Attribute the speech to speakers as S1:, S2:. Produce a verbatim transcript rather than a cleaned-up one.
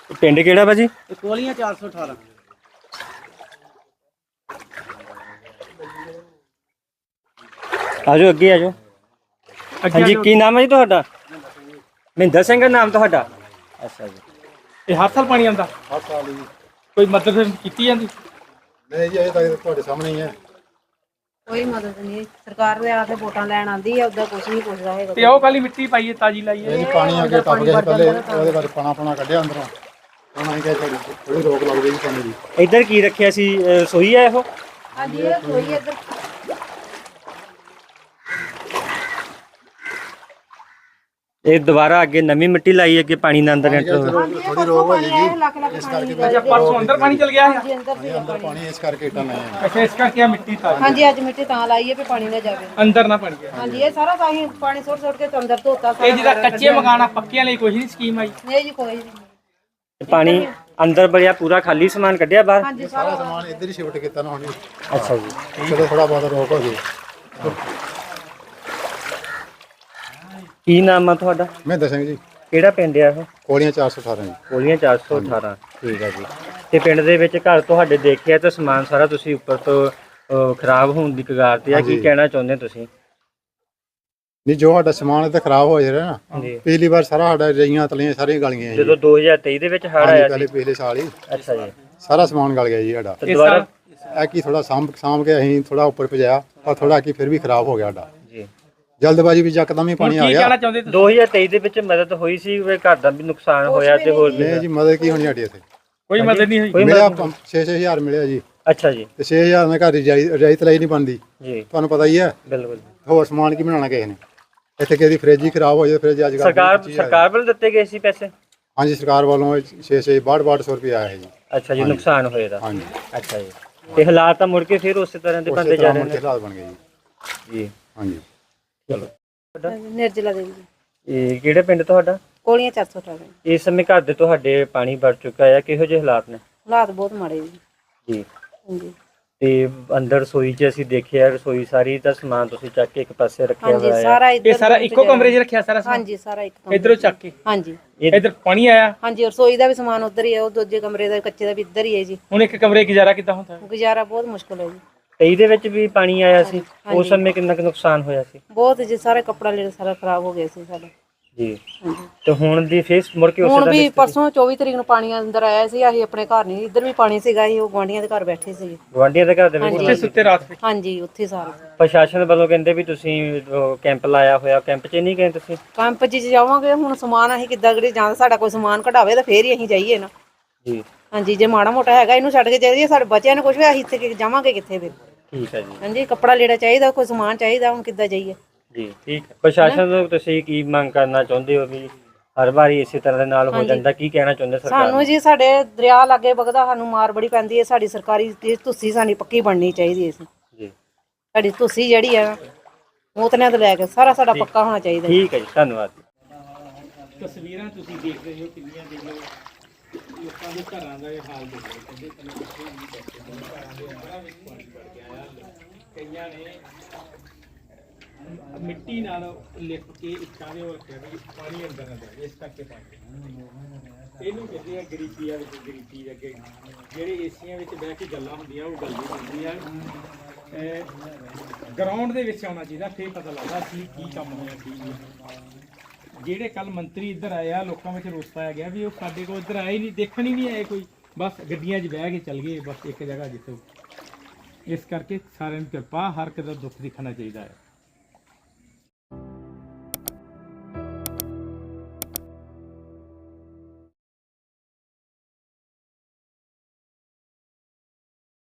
S1: ਪਿੰਡ ਕਿਹੜਾ ਭਾਜੀ?
S2: ਕੋਲੀਆਂ ਚਾਰ ਸੌ ਅਠਾਰਾਂ।
S1: ਆਜੋ ਅੱਗੇ ਆਜੋ। ਹਾਂਜੀ ਕੀ ਨਾਮ ਹੈ ਜੀ ਤੁਹਾਡਾ? ਮਹਿੰਦਰ ਸਿੰਘ ਨਾਮ ਤੁਹਾਡਾ? ਅੱਛਾ ਜੀ।
S3: ਇਹ ਹਰ ਸਾਲ ਪਾਣੀ ਆਉਂਦਾ?
S4: ਹਰ ਸਾਲ ਜੀ।
S3: ਕੋਈ ਮਦਦ ਕੀਤੀ ਜਾਂਦੀ?
S4: ਨਹੀਂ ਜੀ, ਇਹ ਤਾਂ ਤੁਹਾਡੇ ਸਾਹਮਣੇ ਹੀ ਹੈ।
S5: ਕੋਈ ਮਦਦ ਨਹੀਂ, ਸਰਕਾਰ ਦੇ ਆ ਕੇ ਵੋਟਾਂ ਲੈਣ ਆਉਂਦੀ ਹੈ, ਉਦਾਂ ਕੁਝ ਨਹੀਂ ਪੁੱਛਦਾ ਹੈਗਾ।
S3: ਤੇ ਉਹ ਕਾਲੀ ਮਿੱਟੀ ਪਾਈਏ, ਤਾਜੀ ਲਾਈਏ।
S4: ਇਹ ਜੀ ਪਾਣੀ ਅੱਗੇ ਟੱਪ ਗਿਆ ਸੀ ਪਹਿਲੇ, ਉਹਦੇ ਬਾਅਦ ਪਾਣਾ ਪਾਣਾ ਕੱਢਿਆ ਅੰਦਰੋਂ। ਹੁਣ ਅਸੀਂ ਕਿਹਾ ਥੋੜੀ ਥੋੜੀ ਰੋਕ ਲੱਗ ਗਈ ਪਾਣੀ ਦੀ।
S1: ਇੱਧਰ ਕੀ ਰੱਖਿਆ ਸੀ? ਰਸੋਈ ਹੈ ਇਹੋ?
S5: ਹਾਂਜੀ ਇਹ ਕੋਈ ਇੱਧਰ
S1: ਇਹ ਦੁਬਾਰਾ ਅੱਗੇ ਨਵੀਂ ਮਿੱਟੀ ਲਾਈ, ਅੱਗੇ ਪਾਣੀ ਨਾ ਅੰਦਰ ਐਂਟਰ ਹੋਵੇ।
S4: ਥੋੜੀ ਰੋਕ ਹੋ ਜਾਏਗੀ
S5: ਲੱਖ ਲੱਖ
S4: ਇਸ ਕਰਕੇ।
S3: ਅੱਛਾ ਪਰਸੋਂ ਅੰਦਰ ਪਾਣੀ ਚਲ ਗਿਆ ਹੈ?
S5: ਹਾਂਜੀ ਅੰਦਰ ਸੀ
S4: ਅੰਦਰ ਪਾਣੀ ਇਸ ਕਰਕੇ ਇੱਟਾਂ ਲਾਈਆਂ।
S3: ਅੱਛਾ ਇਸ ਕਰਕੇ ਆ ਮਿੱਟੀ ਤਾਜੀ।
S5: ਹਾਂਜੀ ਅੱਜ ਮਿੱਟੀ ਤਾਂ ਲਾਈ ਹੈ ਵੀ ਪਾਣੀ ਨਾ ਜਾਵੇ
S3: ਅੰਦਰ ਨਾ ਪਾਣੀ ਗਿਆ।
S5: ਹਾਂਜੀ ਇਹ ਸਾਰਾ ਤਾਂ ਹੀ ਪਾਣੀ ਸੁੱਟ ਸੁੱਟ ਕੇ ਅੰਦਰ ਧੋਤਾ ਸਾਰਾ।
S3: ਇਹ ਜਿਹਦਾ ਕੱਚੇ ਮਕਾਨ ਆ, ਪੱਕਿਆਂ ਲਈ ਕੋਈ ਨਹੀਂ ਸਕੀਮ ਆਈ?
S5: ਨਹੀਂ ਜੀ ਕੋਈ ਨਹੀਂ।
S1: ਪਾਣੀ ਅੰਦਰ ਬੜਿਆ, ਪੂਰਾ ਖਾਲੀ ਸਮਾਨ ਕੱਢਿਆ ਬਾਹਰ?
S5: ਹਾਂਜੀ
S4: ਸਾਰਾ ਸਮਾਨ ਇੱਧਰ ਹੀ ਸ਼ਿਫਟ ਕੀਤਾ ਨਾ ਹੁਣ।
S1: ਅੱਛਾ ਜੀ।
S4: ਚਲੋ ਥੋੜਾ ਬਹੁਤ ਰੋਕ ਹੋ ਗਈ।
S1: ਕੀ ਨਾਮ ਆ ਤੁਹਾਡਾ?
S4: ਮਹਿੰਦਰ ਸਿੰਘ ਜੀ।
S1: ਕਿਹੜਾ ਪਿੰਡ ਆ ਇਹ?
S4: ਕੋਲੀਆਂ ਚਾਰ ਸੌ ਅਠਾਰਾਂ ਜੀ।
S1: ਕੋਲੀਆਂ ਚਾਰ ਸੌ ਅਠਾਰਾਂ। ਠੀਕ ਹੈ ਜੀ। ਤੇ ਪਿੰਡ ਦੇ ਵਿੱਚ ਘਰ ਤੁਹਾਡੇ ਦੇਖਿਆ ਤਾਂ ਸਮਾਨ ਸਾਰਾ ਤੁਸੀਂ ਉੱਪਰ ਤੋਂ ਅਹ, ਖਰਾਬ ਹੋਣ ਦੀ ਕਗਾਰ ਤੇ ਆ, ਕੀ ਕਹਿਣਾ ਚਾਹੁੰਦੇ ਤੁਸੀਂ?
S4: ਨਹੀਂ, ਜੋ ਸਾਡਾ ਸਮਾਨ ਇੱਥੇ ਖਰਾਬ ਹੋ ਰਿਹਾ ਨਾ,
S1: ਜੀ।
S4: ਪਿਛਲੀ ਵਾਰ ਸਾਰਾ ਸਾਡਾ ਰਈਆਂ ਤਲੀਆਂ ਸਾਰੀਆਂ ਗਲ ਗਈਆਂ ਜੀ।
S1: ਜਦੋਂ ਦੋ ਹਜ਼ਾਰ ਤੇਈ ਦੇ ਵਿੱਚ ਹੜ੍ਹ ਆਇਆ
S4: ਪਹਿਲੇ
S1: ਸੀ?
S4: ਪਿਛਲੇ ਸਾਲ ਹੀ
S1: ਅੱਛਾ ਜੀ।
S4: ਸਾਰਾ ਸਮਾਨ ਗਲ ਗਿਆ ਜੀ ਸਾਡਾ।
S1: ਤੇ ਦੁਬਾਰਾ
S4: ਇਹ ਕੀ ਥੋੜਾ ਸਾਂਭ ਸਾਂਭ ਕੇ ਅਸੀਂ ਥੋੜਾ ਉੱਪਰ ਭਜਾਇਆ, ਪਰ ਥੋੜਾ ਕੀ ਫਿਰ ਵੀ ਖਰਾਬ ਹੋ ਗਿਆ ਸਾਡਾ।
S1: ਜੀ।
S4: ਜਲਦਬਾਜ਼ੀ ਵਿੱਚ ਯਕਦਮ ਹੀ ਪਾਣੀ ਆ
S3: ਕੀ
S4: ਗਿਆ।
S3: ਕਹਿਣਾ ਚਾਹੁੰਦੇ ਤੁਸੀਂ?
S1: ਦੋ ਹਜ਼ਾਰ ਤੇਈ ਦੇ ਵਿੱਚ ਮਦਦ ਹੋਈ ਸੀ, ਵੀ ਘਰ ਦਾ ਵੀ ਨੁਕਸਾਨ ਹੋਇਆ ਤੇ ਹੋਰ ਵੀ?
S4: ਨਹੀਂ ਜੀ, ਮਦਦ ਕੀ ਹੋਣੀ ਸਾਡੀ ਇੱਥੇ?
S3: ਕੋਈ ਮਦਦ ਨਹੀਂ ਹੋਈ?
S1: ਕੋਈ
S4: ਮਿਲਿਆ
S1: ਮਦਦ?
S4: ਛੇ ਛੇ ਹਜ਼ਾਰ ਮਿਲਿਆ ਜੀ।
S1: ਅੱਛਾ ਜੀ।
S4: ਤੇ ਛੇ ਹਜ਼ਾਰ ਨਾਲ ਘਰ ਦੀ ਰਜਾਈ ਤਲਾਈ ਨਹੀਂ ਬਣਦੀ,
S1: ਜੀ
S4: ਤੁਹਾਨੂੰ ਪਤਾ ਹੀ ਹੈ।
S1: ਬਿਲਕੁਲ।
S4: ਹੋਰ ਸਮਾਨ ਕੀ ਬਣਾਉਣਾ ਕਿਸੇ ਨੇ? ਇੱਥੇ ਕਿਸੇ ਦੀ ਫ੍ਰਿਜ ਹੀ ਖਰਾਬ ਹੋ ਜਾਏ, ਫ੍ਰਿਜ ਅੱਜ ਕੱਲ੍ਹ
S1: ਸਰਕਾਰ ਸਰਕਾਰ ਵੱਲੋਂ ਦਿੱਤੇ ਗਏ ਸੀ ਪੈਸੇ?
S4: ਹਾਂਜੀ, ਸਰਕਾਰ ਵੱਲੋਂ ਛੇ ਛੇ ਬਾਹਠ ਬਾਹਠ ਸੌ ਰੁਪਏ ਆਇਆ ਹੈ ਜੀ।
S1: ਅੱਛਾ ਜੀ, ਨੁਕਸਾਨ ਹੋਇਆ ਦਾ।
S4: ਹਾਂਜੀ।
S1: ਅੱਛਾ ਜੀ। ਤੇ ਹਾਲਾਤ ਤਾਂ ਮੁੜ ਕੇ ਫਿਰ ਉਸੇ ਤਰ੍ਹਾਂ ਦੇ ਬਣਦੇ ਜਾ ਰਹੇ ਨੇ?
S4: ਹਾਲਾਤ ਬਣ ਗਏ ਜੀ।
S1: ਜੀ।
S4: ਹਾਂਜੀ।
S1: ਚਲੋ।
S5: ਨਿਰਜਲਾ ਦੇਵੀ ਜੀ।
S1: ਇਹ ਕਿਹੜੇ ਪਿੰਡ ਤੁਹਾਡਾ?
S5: ਕੋਲੀਆਂ ਚਾਰ ਸੌ ਅਠਾਰਾਂ।
S1: ਇਸ ਸਮੇਂ ਘਰ ਦੇ ਤੁਹਾਡੇ ਪਾਣੀ ਵੜ ਚੁੱਕਾ ਹੈ, ਕਿਹੋ ਜਿਹੇ ਹਾਲਾਤ ਨੇ?
S5: ਹਾਲਾਤ ਬਹੁਤ ਮਾੜੇ ਜੀ।
S1: ਜੀ।
S5: ਹਾਂਜੀ
S1: ਤੇ ਅੰਦਰ ਰਸੋਈ 'ਚ ਅਸੀਂ ਦੇਖਿਆ, ਰਸੋਈ ਸਾਰੀ ਦਾ ਸਮਾਨ ਤੁਸੀਂ ਚੱਕ ਕੇ ਇੱਕ ਪਾਸੇ ਰੱਖਿਆ
S5: ਹਾਂਜੀ
S1: ਹੋਇਆ ਹੈ।
S5: ਸਾਰਾ
S3: ਇਹ
S5: ਇੱਧਰ
S3: ਸਾਰਾ ਇੱਕੋ ਕਮਰੇ 'ਚ ਰੱਖਿਆ ਸਾਰਾ ਸਮਾਨ?
S5: ਹਾਂਜੀ ਸਾਰਾ ਇੱਕ ਕਮਰੇ
S3: ਇਧਰੋਂ ਚੱਕ ਕੇ?
S5: ਹਾਂਜੀ
S1: ਇਹ
S3: ਇਧਰ ਪਾਣੀ ਆਇਆ?
S5: ਹਾਂਜੀ ਰਸੋਈ ਦਾ ਵੀ ਸਮਾਨ ਉੱਧਰ ਹੀ ਹੈ, ਉਹ ਦੂਜੇ ਕਮਰੇ ਦਾ ਕੱਚੇ ਦਾ ਵੀ ਇੱਧਰ ਹੀ ਹੈ ਜੀ।
S3: ਹੁਣ ਇੱਕ ਕਮਰੇ ਗੁਜ਼ਾਰਾ ਕਿੱਦਾਂ ਹੁੰਦਾ?
S5: ਗੁਜ਼ਾਰਾ ਬਹੁਤ ਮੁਸ਼ਕਲ ਹੈ ਜੀ।
S1: ਤੇਈ ਦੇ ਵਿੱਚ ਵੀ ਪਾਣੀ ਆਇਆ ਸੀ, ਉਸ ਸਮੇਂ ਕਿੰਨਾ ਕੁ ਨੁਕਸਾਨ ਹੋਇਆ ਸੀ?
S5: ਬਹੁਤ ਜੀ, ਸਾਰੇ ਕੱਪੜਾ ਲੀੜਾ ਸਾਰਾ ਖਰਾਬ ਹੋ ਗਿਆ ਸੀ ਸਾਡਾ।
S1: ਜੀ।
S5: ਹਾਂਜੀ
S1: ਤੇ ਹੁਣ ਦੀ ਫੇਸ ਮੁੜ ਕੇ ਉਸੇ
S5: ਹੁਣ
S1: ਤਰ੍ਹਾਂ
S5: ਵੀ
S1: ਦੀ ਸਥਿਤੀ?
S5: ਪਰਸੋਂ ਚੌਵੀ ਤਰੀਕ ਨੂੰ ਪਾਣੀ ਅੰਦਰ ਆਇਆ ਸੀ, ਅਸੀਂ ਆਪਣੇ ਘਰ ਨਹੀਂ, ਇੱਧਰ ਵੀ ਪਾਣੀ ਸੀਗਾ, ਅਸੀਂ ਉਹ ਗੁਆਂਢੀਆਂ ਦੇ ਘਰ ਬੈਠੇ ਸੀ।
S1: ਗੁਆਂਢੀਆਂ ਦੇ ਘਰ ਦੇ ਵਿੱਚ?
S3: ਉੱਥੇ ਸੁੱਤੇ ਰਾਤ ਵਿੱਚ?
S5: ਹਾਂਜੀ ਉੱਥੇ ਸਾਰੇ
S1: ਪ੍ਰਸ਼ਾਸਨ ਵੱਲੋਂ ਕਹਿੰਦੇ ਵੀ ਤੁਸੀਂ ਉਹ ਕੈਂਪ ਲਾਇਆ ਹੋਇਆ, ਕੈਂਪ 'ਚ ਨਹੀਂ ਗਏ ਤੁਸੀਂ?
S5: ਕੈਂਪ 'ਚ ਜਾਵਾਂਗੇ, ਹੁਣ ਸਮਾਨ ਅਸੀਂ ਕਿੱਦਾਂ ਕਰੀ ਜਾਂ ਸਾਡਾ ਕੋਈ ਸਮਾਨ ਕਢਾਵੇ ਤਾਂ ਫੇਰ ਹੀ ਅਸੀਂ ਜਾਈਏ ਨਾ।
S1: ਜੀ।
S5: ਹਾਂਜੀ ਜੇ ਮਾੜਾ ਮੋਟਾ ਹੈਗਾ ਇਹਨੂੰ ਛੱਡ ਕੇ ਜਾਈਏ, ਸਾਡੇ ਬੱਚਿਆਂ ਨੂੰ ਕੁਝ ਵੀ, ਅਸੀਂ ਇੱਥੇ ਜਾਵਾਂਗੇ ਕਿੱਥੇ ਫਿਰ?
S1: ਠੀਕ ਹੈ ਜੀ।
S5: ਹਾਂਜੀ ਕੱਪੜਾ ਲੀੜਾ ਚਾਹੀਦਾ, ਕੋਈ ਸਮਾਨ ਚਾਹੀਦਾ, ਹੁਣ ਕਿੱਦਾਂ ਜਾਈਏ?
S1: ਜੀ ਠੀਕ ਹੈ। ਪ੍ਰਸ਼ਾਸਨ ਨੂੰ ਤੁਸੀਂ ਕੀ ਮੰਗ ਕਰਨਾ ਚਾਹੁੰਦੇ ਹੋ ਵੀ ਹਰ ਵਾਰੀ ਇਸੇ ਤਰ੍ਹਾਂ ਦੇ ਨਾਲ ਹੋ ਜਾਂਦਾ, ਕੀ ਕਹਿਣਾ ਚਾਹੁੰਦੇ ਸਰਕਾਰ ਨੂੰ?
S5: ਸਾਨੂੰ ਜੀ ਸਾਡੇ ਦਰਿਆ ਲਾਗੇ ਵਗਦਾ, ਸਾਨੂੰ ਮਾਰ ਬੜੀ ਪੈਂਦੀ ਹੈ, ਸਾਡੀ ਸਰਕਾਰੀ ਤੁਸੀਂ ਸਾਡੀ ਪੱਕੀ ਬਣਨੀ ਚਾਹੀਦੀ ਹੈ।
S1: ਜੀ।
S5: ਸਾਡੀ ਤੁਸੀਂ ਜਿਹੜੀ ਆ ਮੋਤਨਿਆਂ ਤੋਂ ਲੈ ਕੇ ਸਾਰਾ ਸਾਡਾ ਪੱਕਾ ਹੋਣਾ ਚਾਹੀਦਾ।
S1: ਠੀਕ ਹੈ ਜੀ, ਧੰਨਵਾਦ।
S3: ਤਸਵੀਰਾਂ ਤੁਸੀਂ ਦੇਖ ਰਹੇ ਹੋ ਕਿੰਨੀਆਂ, ਦੇਖ ਲਓ ਲੋਕਾਂ ਦੇ ਘਰਾਂ ਦਾ ਇਹ ਹਾਲ ਦੇਖ ਲਓ। ਕਹਿੰਦੇ ਘਰਾਂ ਦੇ ਅੰਦਰਾਂ ਵਿੱਚ ਪਾਣੀ ਵੜ ਗਿਆ ਆ। ਕਈਆਂ ਨੇ ਮਿੱਟੀ ਨਾਲ ਲਿਪ ਕੇ ਇੱਟਾਂ ਦੇ ਹੋ ਰੱਖਿਆ ਵੀ ਪਾਣੀ ਅੰਦਰ ਨਾ ਜਾਵੇ, ਇਸ ਕਰਕੇ ਪਾਣੀ ਇਹਨੂੰ ਕਹਿੰਦੇ ਆ ਗਰੀਬੀਆਂ ਵਿੱਚ ਗਰੀਬੀ ਅੱਗੇ ਜਿਹੜੇ ਏਸੀਆਂ ਵਿੱਚ ਬਹਿ ਕੇ ਗੱਲਾਂ ਹੁੰਦੀਆਂ ਉਹ ਗੱਲ ਨਹੀਂ ਹੁੰਦੀਆਂ। ਗਰਾਊਂਡ ਦੇ ਵਿੱਚ ਆਉਣਾ ਚਾਹੀਦਾ, ਫਿਰ ਪਤਾ ਲੱਗਦਾ ਸੀ ਕੀ ਕੰਮ ਹੋਇਆ ਕੀ ਨਹੀਂ। ਜਿਹੜੇ ਕੱਲ ਮੰਤਰੀ ਇੱਧਰ ਆਏ ਆ, ਲੋਕਾਂ ਵਿੱਚ ਰੋਸ ਪਾਇਆ ਗਿਆ ਵੀ ਉਹ ਸਾਡੇ ਕੋਲ ਇੱਧਰ ਆਏ ਨਹੀਂ, ਦੇਖਣ ਹੀ ਨਹੀਂ ਆਏ ਕੋਈ, ਬਸ ਗੱਡੀਆਂ 'ਚ ਬਹਿ ਕੇ ਚੱਲ ਗਏ ਬਸ ਇੱਕ ਜਗ੍ਹਾ ਜਿੱਥੇ। ਇਸ ਕਰਕੇ ਸਾਰਿਆਂ ਨੂੰ ਕਿਰਪਾ, ਹਰ ਕਿਸੇ ਦਾ ਦੁੱਖ ਦਿਖਣਾ ਚਾਹੀਦਾ ਹੈ।